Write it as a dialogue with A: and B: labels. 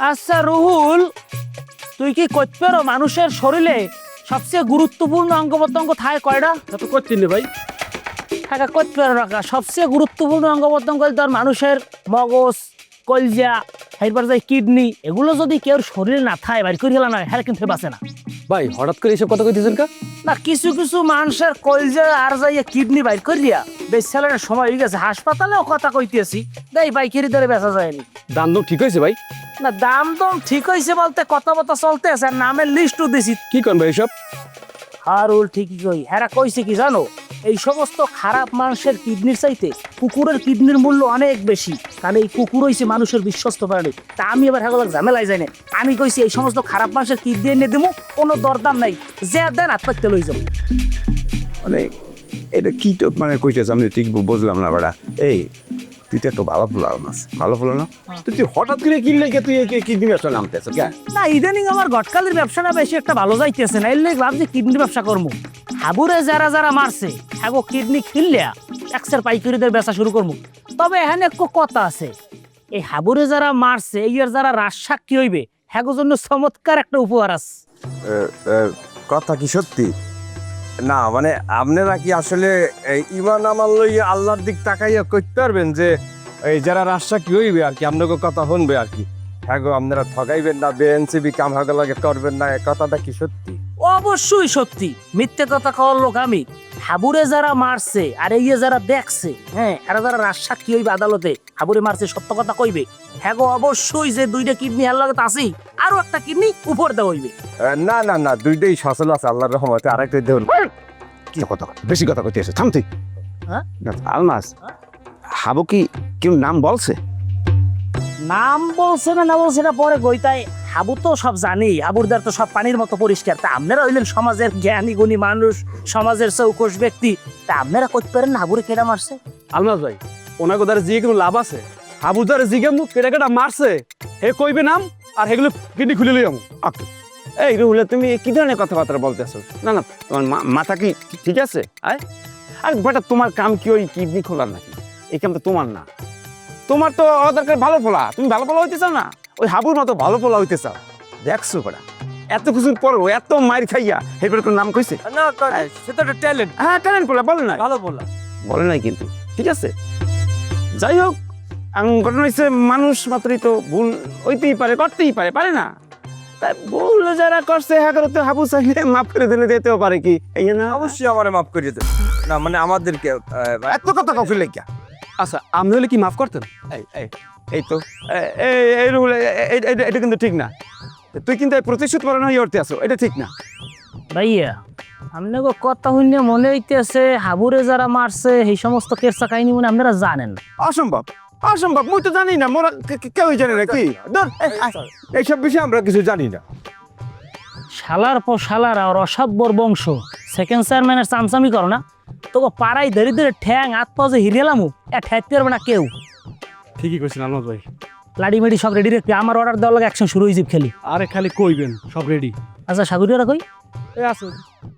A: আচ্ছা রুহুল, তুই কি করতে পারো মানুষের শরীরে সবচেয়ে গুরুত্বপূর্ণ অঙ্গ প্রত্যঙ্গ থাকে কয়টা?
B: তো করছি না ভাই।
A: থাকা করতে পারো রাখা সবচেয়ে গুরুত্বপূর্ণ অঙ্গ প্রত্যঙ্গ ধর মানুষের মগজ, কলজা, এরপর যে কিডনি, এগুলো যদি কেউ শরীরে না থাকে বাইর করে গেল না, হ্যাঁ কিন্তু বাঁচে না।
B: ভাই হঠাৎ করে এইসব কথা কইতেছেন কা?
A: না কিছু কিছু মানুষের কলজা আর যাইয়া কিডনি বাইর করিয়া বেশ চালানোর সময় হয়ে গেছে, হাসপাতালেও কথা কইতেছি দেই বাইকেরই ধরে বেচা যায়নি।
B: দাম দম ঠিক হয়েছে ভাই?
A: না দাম দম ঠিক হয়েছে বলতে কথা চলতে আছে, আর নামের লিস্টও দিছি।
B: কি করেন ভাই এসব?
A: হারুল ঠিকই কই, হ্যাঁ কইছে কি জানো, এই সমস্ত খারাপ মানুষের কিডনির চাইতে কুকুরের কিডনির মূল্য অনেক বেশি, কারণ এই কুকুর হইছে মানুষের বিশ্বস্ত প্রাণী। তা আমি এবার হ্যাঁ ঝামেলায় যাই না, আমি কইছি এই সমস্ত খারাপ মানুষের কিডনি এনে দেবো, কোনো দরদাম নাই, যে দেন আত্মহত্যা লই যাবো।
C: মানে এটা কি তো মানে কইতেছ আমি ঠিক বুঝলাম না বাড়া। এই তুই তো একটা ভালো ফুল মাছ, ভালো ফুল না তুই হঠাৎ করে কিনলে কে তুই কিডনি ব্যবসা নামতেছ কে?
A: না ইদানিং আমার গটকালির ব্যবসা না বেশি একটা ভালো যাইতেছে না, এর লেগে ভাবছি কিডনি ব্যবসা করবো। হাবুরে যারা যারা মারছে হ্যাঁ কিডনি কিনলে একশের পাইকারিদের বেচা শুরু করবো। তবে এখানে একটু কথা আছে, এই হাবুরে যারা মারছে এই যারা রাজসাক কি হইবে হ্যাঁ জন্য চমৎকার একটা উপহার আছে।
C: কথা কি সত্যি? না মানে আপনারা কি আসলে ইমান আমার লই আল্লাহর দিক তাকাইয়া করতে পারবেন যে এই যারা রাস্তা কি হইবে আর কি আপনাকে কথা শুনবে আর কি? হ্যাঁ গো আপনারা ঠগাইবেন না, বেএনসিবি কাম হাগা লাগে করবেন না, কথাটা কি সত্যি?
A: অবশ্যই সত্যি, মিথ্যে কথা কওয়ার লোক আমি। হাবুরে যারা মারছে আর এই যারা দেখছে হ্যাঁ এরা যারা রাজসাক কি হইবে আদালতে হাবুরে মারছে সত্য কথা কইবে। হ্যাঁ গো অবশ্যই যে দুইটা কিডনি হার লাগে আছেই, আরো একটা কিডনি উপর দেওয়া হইবে।
C: না না না, দুইটাই সচল আছে আল্লাহর রহমতে, আরেকটা দেখুন। কি কথা বেশি কথা কইতে আছে, থামতে।
A: হ্যাঁ
C: আলমাস হাবু কি কেউ নাম বলছে?
A: নাম বলছে না বলছে না পরে গইতাই, হাবু তো সব জানি, হাবুরদার তো সব পানির মতো পরিষ্কার। তা আপনারা হইলেন সমাজের জ্ঞানী গুণী মানুষ, সমাজের চৌকস ব্যক্তি, তা আপনারা করতে পারেন না হাবুরে কেডা মারছে?
B: আলমাস ভাই ওনাকে দ্বারা জিগে কোনো লাভ আছে? হাবুর দ্বারা জিগে মুখ কেটা কেটা মারছে হে কইবে নাম, আর হেগুলো কিডনি খুলে লই আমি।
C: এই রুহুলে তুমি কি ধরনের কথাবার্তা বলতেছো? না না তোমার মাথা কি ঠিক আছে? আর বেটা তোমার কাম কি ওই কিডনি খোলার নাকি? এই কাম তো তোমার না, তোমার তো দরকার ভালো ফোলা, তুমি ভালো ফোলা হইতে চাও না, ওই হাবুর মতো ভালো ফোলা হইতে চাও। দেখছো বেটা এত কিছুর পরও এত মাইর খাইয়া এরপরে কোনো নাম কইছে?
B: না সেটা একটা ট্যালেন্ট।
C: হ্যাঁ ট্যালেন্ট বলে বলে না,
B: ভালো বললাম।
C: বলে নাই কিন্তু ঠিক আছে। যাই হোক ঘটনা হচ্ছে মানুষ মাত্রই তো ভুল হইতেই পারে, করতেই পারে, পারে না? তাই ভুল যারা করছে হ্যাঁ তো হাবু চাইলে মাফ করে দিলে যেতেও পারে কি এই না?
D: অবশ্যই আমারে মাফ করিয়ে দেন না, মানে আমাদেরকে
C: এত কথা কফি লেখা।
B: আচ্ছা আপনি হলে কি মাফ করতেন?
C: এই তো এই রুল, এটা কিন্তু ঠিক না। তুই কিন্তু এই প্রতিশোধ পালন হয়ে উঠতে আসো, এটা ঠিক না।
A: ভাইয়া আপনাকে কথা শুনে মনে হইতেছে হাবুরে যারা মারছে এই সমস্ত কেরসা কাহিনী মনে আপনারা জানেন না।
C: অসম্ভব, অসম্ভব, মুই তো জানি না, মোরা কেউই জানে না কি এইসব বিষয়ে আমরা কিছু জানি না।
A: শালার পর শালার আর অসাব্যর বংশ সেকেন্ড চেয়ারম্যানের চামচামি করো না, তোকে পাড়াই ধরে ধরে ঠ্যাং হাত পা যে হিরিয়ালামু এ ঠেকতে পারবে না কেউ।
B: ঠিকই কইছেন আলমাস ভাই।
A: লাডি মেডি সব রেডি রেখে আমার অর্ডার দেওয়ার লাগে অ্যাকশন শুরু হয়ে যাবে খেলি।
B: আরে খালি কইবেন সব রেডি।
A: আচ্ছা সাগরিয়ারা কই?
B: এই আছে।